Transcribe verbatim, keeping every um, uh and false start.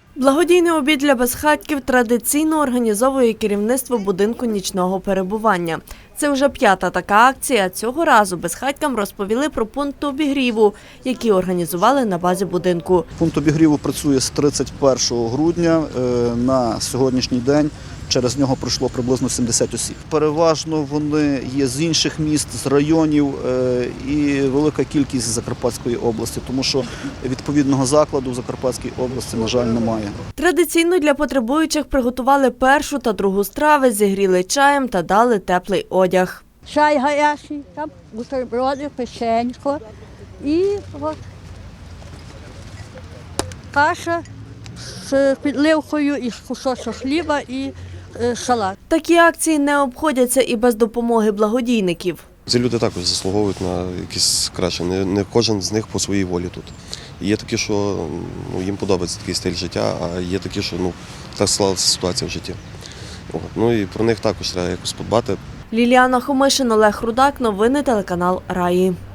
Благодійний обід для безхатьків традиційно організовує керівництво будинку нічного перебування. Це вже п'ята така акція. Цього разу безхатькам розповіли про пункт обігріву, який організували на базі будинку. Пункт обігріву працює з тридцять першого грудня. На сьогоднішній день через нього пройшло приблизно сімдесят осіб. Переважно вони є з інших міст, з районів і велика кількість з Закарпатської області, тому що відповідного закладу в Закарпатській області, на жаль, немає. Традиційно для потребуючих приготували першу та другу страви, зігріли чаєм та дали теплий одяг. Чай гарячий, там бутерброди, печенько і от каша з підливкою, і кусочок хліба, і е, салат. Такі акції не обходяться і без допомоги благодійників. Ці люди також заслуговують на якісь краще. Не, не кожен з них по своїй волі тут. Є такі, що ну, їм подобається такий стиль життя, а є такі, що ну, так склалася ситуація в житті. От. Ну і про них також треба якось подбати. Ліліана Хомишин, Олег Рудак. Новини телеканал Раї.